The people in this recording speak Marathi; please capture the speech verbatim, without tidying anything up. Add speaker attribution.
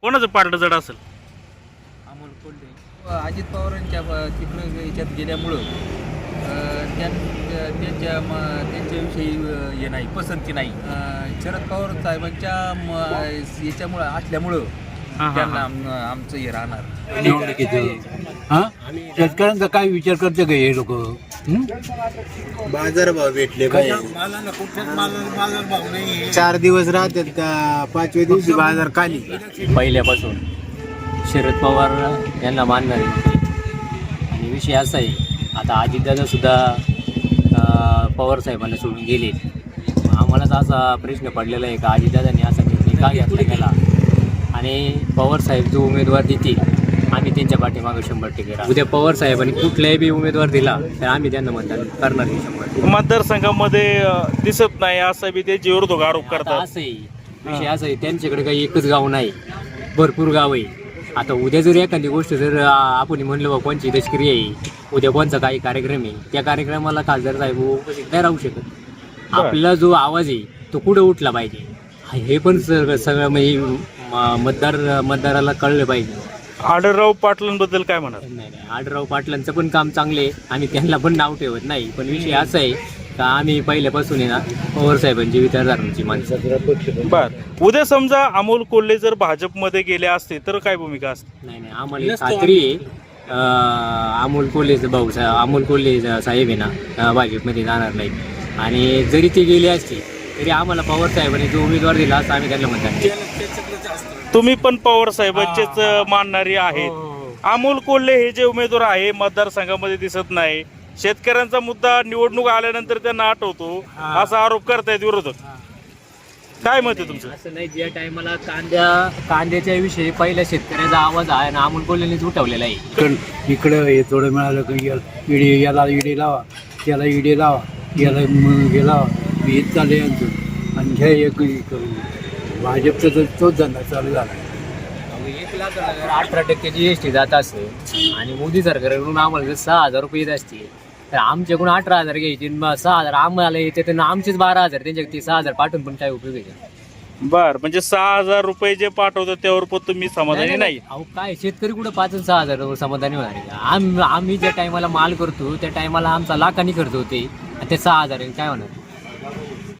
Speaker 1: कोणाचं पारडं जड असेल?
Speaker 2: अमोल कोल्हे अजित पवारांच्या तिकडं याच्यात गेल्यामुळं अं, त्यां त्यांच्या म त्यांच्याविषयी अं, हे नाही पसंती नाही. अं, शरद पवार साहेबांच्या म- याच्यामुळं असल्यामुळं
Speaker 1: हा, हा,
Speaker 2: त्यांना
Speaker 1: हा.
Speaker 2: आम- आमचं हे राहणार.
Speaker 3: निवडणुकीचं हा शेतकऱ्यांचा काय विचार करते का हे लोक?
Speaker 4: बाजारभाव भेटले पाहिजे. चार दिवस राहतात का पाचव्या दिवशी बाजार खाली.
Speaker 5: पहिल्यापासून शरद पवार यांना मानणारे होते. आणि विषय असा आहे, आता अजितदादा सुद्धा अं, पवार साहेबांना सोडून गेले. आम्हालाच असा प्रश्न पडलेला आहे का अजितदादांनी असा निर्णय का घेतला गेला, आणि पवार साहेब जो उमेदवार देतील आम्ही त्यांच्या पाठीमागे शंभर टक्के राहू. उद्या पवार साहेबांनी कुठलाही बी उमेदवार दिला तर आम्ही त्यांना मतदान करणार नाही शंभर टक्के.
Speaker 1: मतदारसंघामध्ये अं, दिसत नाही असं बी ते विरोधक आरोप
Speaker 5: आता
Speaker 1: करतात.
Speaker 5: असं आहे, विषय असं आहे, त्यांच्याकडे काही एकच गाव नाही, भरपूर गाव आहे. आता उद्या जर एखादी गोष्ट जर आ, आपण म्हणलं बा कोणची दशक्रिया आहे, उद्या कोणचा काही कार्यक्रम आहे, त्या कार्यक्रमाला खासदार साहेब उपस्थित नाही राहू शकत. आपला जो आवाज आहे तो कुठं उठला पाहिजे हे पण सगळं सगळं म्हणजे म- मतदार मतदाराला कळलं पाहिजे.
Speaker 1: आढळराव पाटलांबद्दल काय म्हणाल?
Speaker 5: नाही नाही आढळराव पाटलांचं पण काम चांगले आहे, आम्ही त्यांना पण नाव ठेवत नाही. पण विषय असा आहे का आम्ही पहिल्यापासून आहे ना पवार साहेबांची विचारधारांची माणसं.
Speaker 1: बर, उद्या समजा अमोल कोल्हे जर भाजपमध्ये गेले असते तर काय भूमिका असते?
Speaker 5: नाही नाही आम्हाला एक खात्री आहे अं, अमोल कोल्हेचं भाऊ सा अमोल कोल्हे साहेब आहे ना अं, भाजपमध्ये जाणार नाही. आणि जरी ते गेले असते तरी आम्हाला पवार साहेबांनी जो उमेदवार दिला असं आम्ही त्यांना म्हणतात.
Speaker 1: तुम्ही पण पवार साहेबांचेच मानणारी आहेत. अमोल कोल्हे हे जे उमेदवार आहे मतदारसंघामध्ये दिसत नाही. शेतकऱ्यांचा मुद्दा निवडणूक आल्यानंतर त्यांना आठवतो असा आरोप करतायत विरोधक. काय मत आहे तुमचं?
Speaker 5: असं नाही, ज्या टायमाला कांद्या कांद्याच्या विषयी पहिल्या शेतकऱ्याचा आवाज आहे ना अमोल कोल्हेनेच उठवलेला आहे.
Speaker 3: इकडं इकडं हे थोडं मिळालं की या- इडी याला इडी लावा, त्याला इडी लावा, याला म- हे लावा, हे चालले यांचं. आणि घ्या एक हे करून भाजपचा तर तोच धंदा चालू झाला.
Speaker 5: अहो, एक लाख अठरा टक्के जी एस टी जात असेल आणि मोदी सरकारकडून आम्हाला जर सहा हजार रुपये येत असतील तर आमच्याकडून अठरा हजार घ्यायचे, मग सहा हजार आम्हाला येते तर आमचेच बारा हजार, त्यांच्या ते सहा हजार पाठवून पण काय उपयोग आहे?
Speaker 1: बर, म्हणजे सहा हजार रुपये जे पाठवतात त्यावर पण तुम्ही समाधानी नाही?
Speaker 5: अहो काय शेतकरी कुठं पाच आणि सहा हजार समाधानी होणार आहे? आम आम्ही ज्या टायमाला माल करतो त्या टायमाला आमचा लाखांनी खर्च होते आणि ते सहा हजार काय होणार?